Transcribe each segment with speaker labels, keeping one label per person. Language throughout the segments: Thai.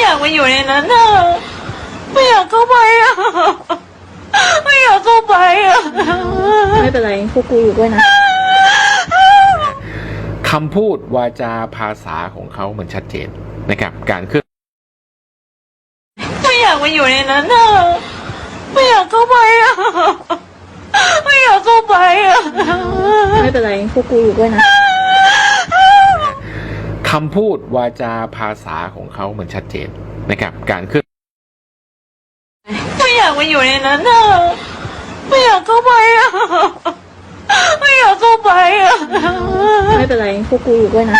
Speaker 1: ากมาอยู่ในนั้นอ่ะไม่อยากเข้าไปอ่ะไม่อยากเข้าไปอ่ะ
Speaker 2: ไม่เป็นไรพวกกูอยู่ด้วยนะ
Speaker 3: คำพูดวาจาภาษาของเขามันชัดเจนนะครับการเคลื่อน
Speaker 1: ไม่อยากมาอยู่ในนั้นอ่ะไม่อยากเข้าไปอ่ะไม่อยากเข้าไปอ่ะ
Speaker 2: ไม่เป็นไรพวกกูอยู่ด้วยนะ
Speaker 3: คำพูดวาจาภาษาของเขามันชัดเจนนะครับการเคลื่อน
Speaker 1: ไม่อยากมาอยู่ในนั้นอ่ะไม่อยากเข้าไปอ่ะไม่อยากเข้าไปอ่ะ
Speaker 2: ไม่เป็นไรพวกกูอยู่ด้วยนะ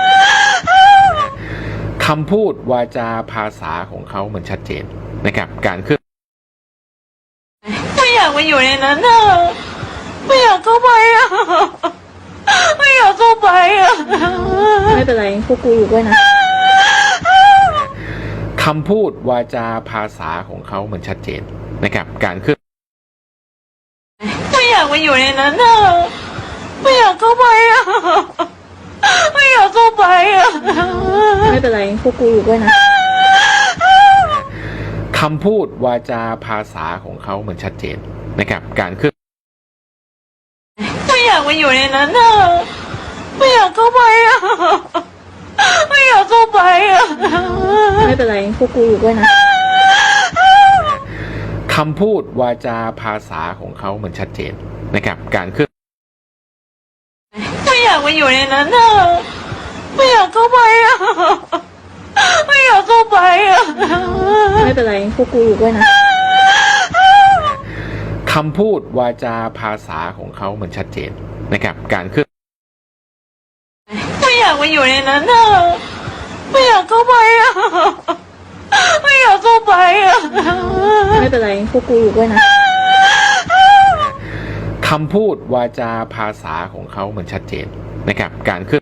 Speaker 3: คำพูดวาจาภาษาของเขามันชัดเจนนะครับการเคลื่อน
Speaker 1: ไม่อยากมาอยู่ในนั้นอ่ะไม่อยากเข้าไปอ่ะไม่อยากเข้าไปอ่ะ
Speaker 2: ไม่เป็นไรพวกกูอยู่ด้วยนะ
Speaker 3: คำพูดวาจาภาษาของเขามันชัดเจนนะครับการเคลื่อน
Speaker 1: ไม่อยากมาอยู่ในนั้นอ่ะไม่อยากเข้าไปอ่ะไม่อยากเข้าไปอ่ะ
Speaker 2: ไม่เป็นไรพวกกูอยู่ด้วยนะ
Speaker 3: คำพูดวาจาภาษาของเขามันชัดเจนนะครับการเคลื่อน
Speaker 1: ไม่อยากมาอยู่ในนั้นอ่ะไม่อยากเข้าไปอ่ะไม่อยากเข้าไปอ่ะ
Speaker 2: ไม่เป็นไรพวกกูอยู่ด้วยนะ
Speaker 3: คำพูดวาจาภาษาของเขามันชัดเจนนะครับการเคลื่อน
Speaker 1: ไม่อยากมาอยู่ในนั้นอ่ะไม่อยากเข้าไปอ่ะไม่อยากเข้าไปอ่ะ
Speaker 2: ไม่เป็นไรพวกกูอยู่ด้วยนะ
Speaker 3: คำพูดวาจาภาษาของเขามันชัดเจนนะครับการเคลื่อน
Speaker 1: ไม่อยากมาอยู่ในนั้นอ่ะไม่อยากเข้าไปอ่ะไม่อยากเข้าไปอ่ะ
Speaker 2: ไม่เป็นไรพวกกูอยู่ด้วยนะ
Speaker 3: คำพูดวาจาภาษาของเขามันชัดเจนนะครับการเคลื่อน